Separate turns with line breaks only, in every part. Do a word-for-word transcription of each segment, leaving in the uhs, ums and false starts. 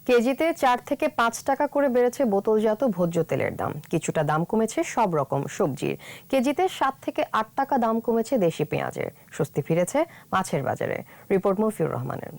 কেজিতে চার থেকে পাঁচ টাকা করে বেড়েছে বোতলজাত ভোজ্য তেলের দাম। কিছুটা দাম কমেছে সব রকম সবজির। কেজিতে সাত থেকে আট টাকা দাম কমেছে দেশি পেঁয়াজের। স্বস্তি ফিরেছে মাছের বাজারে। রিপোর্ট মফিউর রহমানের।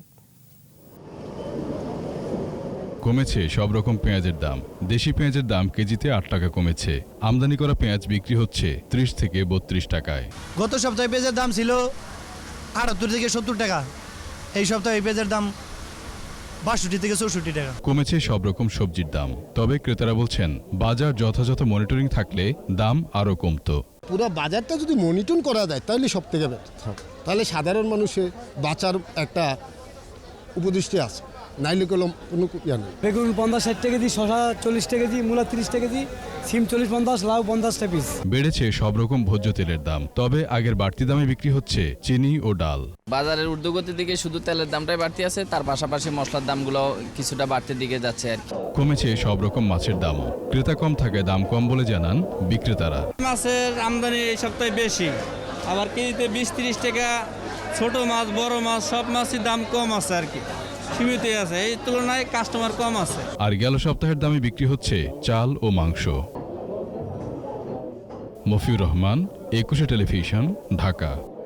কমেছে সব রকম পেঁয়াজের দাম। দেশি পেঁয়াজের দাম কেজিতে আট টাকা কমেছে। আমদানি করা পেঁয়াজ বিক্রি হচ্ছে ত্রিশ থেকে বত্রিশ টাকায়।
গত সপ্তাহে পেঁয়াজের দাম ছিল আটাত্তর থেকে সত্তর টাকা। এই সপ্তাহে পেঁয়াজের দাম বাষট্টি থেকে চৌষট্টি টাকা।
কমেছে সব রকম সবজির দাম। তবে ক্রেতারা বলছেন বাজার যথাযথ মনিটরিং থাকলে দাম আরও কমতো।
পুরো বাজারটা যদি মনিটর করা যায় তাহলে সব থেকে বেটার, তাহলে সাধারণ মানুষের বাঁচার একটা উপদৃষ্টি আছে। নাইলে কলম কোনো ইয়া নেই।
বেগুন পঞ্চাশ ষাট টাকা কেজি, শশা চল্লিশ টাকা কেজি, মূলা তিরিশ টাকা কেজি, সিম চল্লিশ পঞ্চাশ, লাউ পঞ্চাশ টাকা পিস।
বেড়েছে সব রকম ভোজ্য তেলের দাম। তবে আগের বাড়তি দামে বিক্রি হচ্ছে চিনি ও ডাল।
বাজারের ঊর্ধ্বগতির দিকে শুধু তেলের দামটাই বাড়তি আছে, তার পাশাপাশি মশলার দামগুলো কিছুটা বাড়তির দিকে যাচ্ছে আর কি।
কমেছে সব রকম মাছের দামও। ক্রেতা কম থাকে দাম কম বলে জানান বিক্রেতারা।
মাছের আমদানি এই সপ্তাহে বেশি, আবার কেজিতে বিশ তিরিশ টাকা। ছোট মাছ বড় মাছ সব মাছের দাম কম আছে আর কি, সীমিত আছে, এই তুলনায় কাস্টমার কম আছে।
আর গেল সপ্তাহের দামে বিক্রি হচ্ছে চাল ও মাংস। মফিউর রহমান, একুশে টেলিভিশন, ঢাকা।